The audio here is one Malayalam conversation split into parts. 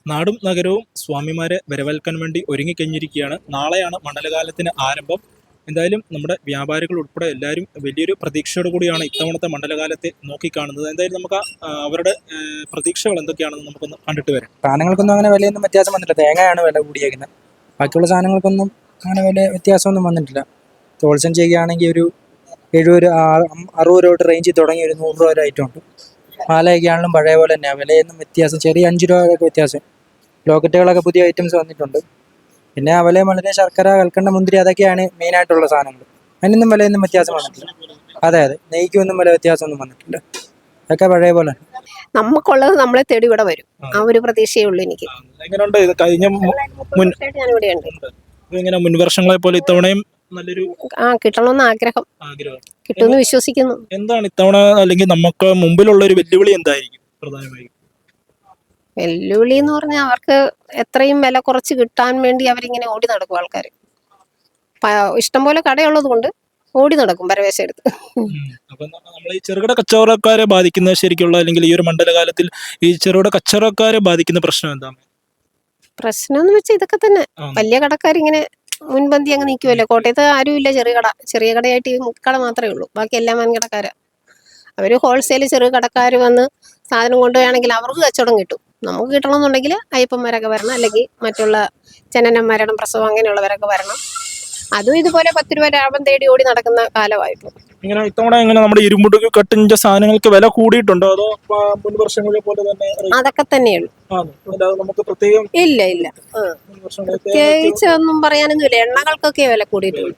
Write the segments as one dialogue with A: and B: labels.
A: നാടും നഗരവും സ്വാമിമാരെ വരവേൽക്കാൻ വേണ്ടി ഒരുങ്ങിക്കഴിഞ്ഞിരിക്കുകയാണ്. നാളെയാണ് മണ്ഡലകാലത്തിന് ആരംഭം. എന്തായാലും നമ്മുടെ വ്യാപാരികൾ ഉൾപ്പെടെ എല്ലാവരും വലിയൊരു പ്രതീക്ഷയോട് കൂടിയാണ് ഇത്തവണത്തെ മണ്ഡലകാലത്തെ നോക്കിക്കാണുന്നത്. എന്തായാലും നമുക്ക് അവരുടെ പ്രതീക്ഷകൾ എന്തൊക്കെയാണെന്ന് നമുക്കൊന്ന് കണ്ടിട്ട് വരാം.
B: സാധനങ്ങൾക്കൊന്നും അങ്ങനെ വിലയൊന്നും വ്യത്യാസം വന്നിട്ടില്ല. തേങ്ങയാണ് വില കൂടിയേക്കുന്നത്. ബാക്കിയുള്ള സാധനങ്ങൾക്കൊന്നും അങ്ങനെ വില വ്യത്യാസമൊന്നും വന്നിട്ടില്ല. ഹോൾസെയിൽ ചെയ്യുകയാണെങ്കിൽ ഒരു 70 60 രൂപ റേഞ്ചിൽ തുടങ്ങി ഒരു 100 രൂപ വരെ ഐറ്റം ഉണ്ട്. മാലയൊക്കെ ആണെങ്കിലും പഴയ പോലെ തന്നെയാണ്. വിലയൊന്നും വ്യത്യാസം, ചെറിയ 5 രൂപയൊക്കെ വ്യത്യാസം. ലോക്കറ്റുകളൊക്കെ പുതിയ ഐറ്റംസ് വന്നിട്ടുണ്ട്. പിന്നെ അവലെ വളരെ ശർക്കര, കൽക്കണ്ട, മുന്തിരി അതൊക്കെയാണ് മെയിനായിട്ടുള്ള സാധനങ്ങൾ. അതിനൊന്നും വിലയൊന്നും വ്യത്യാസം വന്നിട്ടില്ല. അതെ, നെയ്ക്കൊന്നും വില വ്യത്യാസമൊന്നും വന്നിട്ടില്ല. അതൊക്കെ പഴയ പോലെ.
C: നമുക്കുള്ളത് നമ്മളെ തേടി ഇവിടെ വരും. ആ ഒരു പ്രതീക്ഷയേ ഉള്ളൂ എനിക്ക്.
A: എങ്ങനെയുണ്ട് ഇത് കഴിഞ്ഞ
C: ഞാനിവിടെയുണ്ട്.
A: ഇങ്ങനെ മുൻവർഷങ്ങളെ പോലെ ഇത്തവണയും നല്ലൊരു
C: കിട്ടണമെന്ന് ആഗ്രഹം,
A: ആഗ്രഹം
C: കിട്ടുമെന്ന് വിശ്വസിക്കുന്നു.
A: എന്താണ് ഇത്തവണ അല്ലെങ്കിൽ നമുക്ക് മുമ്പിലുള്ള ഒരു വെല്ലുവിളി എന്തായിരിക്കും പ്രധാനമായും?
C: വെല്ലുവിളി എന്ന് പറഞ്ഞാൽ അവർക്ക് എത്രയും വില കുറച്ച് കിട്ടാൻ വേണ്ടി അവരിങ്ങനെ ഓടി നടക്കും. ആൾക്കാർ ഇഷ്ടംപോലെ കടയുള്ളത് കൊണ്ട് ഓടി നടക്കും പരവേശം എടുത്ത്.
A: അപ്പൊ നമ്മൾ ഈ ചെറുകിട കച്ചവടക്കാരെ ബാധിക്കുന്ന ശരിക്കുള്ള അല്ലെങ്കിൽ ഈ ഒരു മണ്ഡലകാലത്തിൽ ഈ ചെറുകിട കച്ചവടക്കാരെ ബാധിക്കുന്ന പ്രശ്നം എന്താണ്?
C: പ്രശ്നം എന്ന് വെച്ചാൽ ഇതൊക്കെ തന്നെ. വലിയ കടക്കാരിങ്ങനെ മുൻപന്തി അങ്ങ് നിൽക്കുമല്ലോ. കോട്ടയത്ത് ആരുമില്ല ചെറിയ കടയായിട്ട് ഈ കട മാത്രമേ ഉള്ളൂ. ബാക്കി എല്ലാം വൻകിടക്കാരാ. അവർ ഹോൾസെയിൽ ചെറു കടക്കാർ വന്ന് സാധനം കൊണ്ടുപോവുകയാണെങ്കിൽ അവർക്ക് കച്ചവടം കിട്ടും. നമുക്ക് കിട്ടണമെന്നുണ്ടെങ്കിൽ അയ്യപ്പന്മാരൊക്കെ വരണം, അല്ലെങ്കിൽ മറ്റുള്ള ജനനം, മരണം, പ്രസവം അങ്ങനെയുള്ളവരൊക്കെ വരണം. അതും ഇതുപോലെ 10 രൂപ ലാഭം തേടി ഓടി നടക്കുന്ന കാലമായിപ്പോൾ.
A: ഇങ്ങനെ ഇത്തവണ എങ്ങനെ നമ്മുടെ ഇരുമ്പുട് കട്ടിഞ്ച സാധനങ്ങൾക്ക് വില കൂടിയിട്ടുണ്ടോ അതോ മുൻ വർഷങ്ങളെ പോലെ തന്നെ?
C: അതൊക്കെ തന്നെയുള്ളൂ.
A: നമുക്ക് പ്രത്യേകം
C: ഇല്ല പ്രത്യേകിച്ച് ഒന്നും പറയാനൊന്നുമില്ല. എണ്ണകൾക്കൊക്കെ വില കൂടിയിട്ടുള്ളൂ.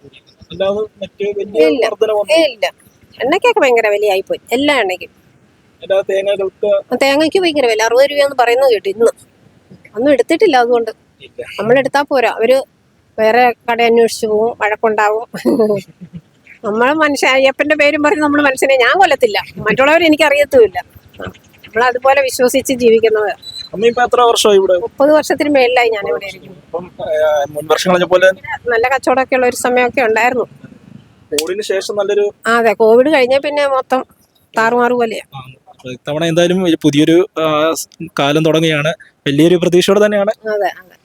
C: ഇല്ല, എണ്ണയ്ക്കൊക്കെ ഭയങ്കര വിലയായിപ്പോയി. എല്ലാ എണ്ണയ്ക്കും. തേങ്ങയ്ക്ക് ഭയങ്കര വില, 60 രൂപയെന്ന് പറയുന്നത് കേട്ടു ഇന്ന്. ഒന്നും എടുത്തിട്ടില്ല. അതുകൊണ്ട് നമ്മളെടുത്താൽ പോരാ, അവര് വേറെ കട അന്വേഷിച്ചു പോവും, വഴക്കുണ്ടാവും. നമ്മൾ അയ്യപ്പന്റെ പേരും പറഞ്ഞ് നമ്മൾ മനുഷ്യനെ ഞാൻ കൊല്ലത്തില്ല, മറ്റുള്ളവർ എനിക്ക് അറിയത്തുമില്ല. നമ്മൾ അതുപോലെ വിശ്വസിച്ച് ജീവിക്കുന്നത്. 30 വർഷത്തിന് മേളിലായി ഞാൻ ഇവിടെ ഇരിക്കുന്നു. നല്ല കച്ചവടമൊക്കെ ഉള്ള ഒരു സമയമൊക്കെ ഉണ്ടായിരുന്നു. അതെ, കോവിഡ് കഴിഞ്ഞ പിന്നെ മൊത്തം താറുമാറു പോലെയാ.
A: ഇത്തവണ എന്തായാലും പുതിയൊരു കാലം തുടങ്ങുകയാണ്. വലിയൊരു പ്രതീക്ഷയോടെ തന്നെയാണ്.
C: അതെ.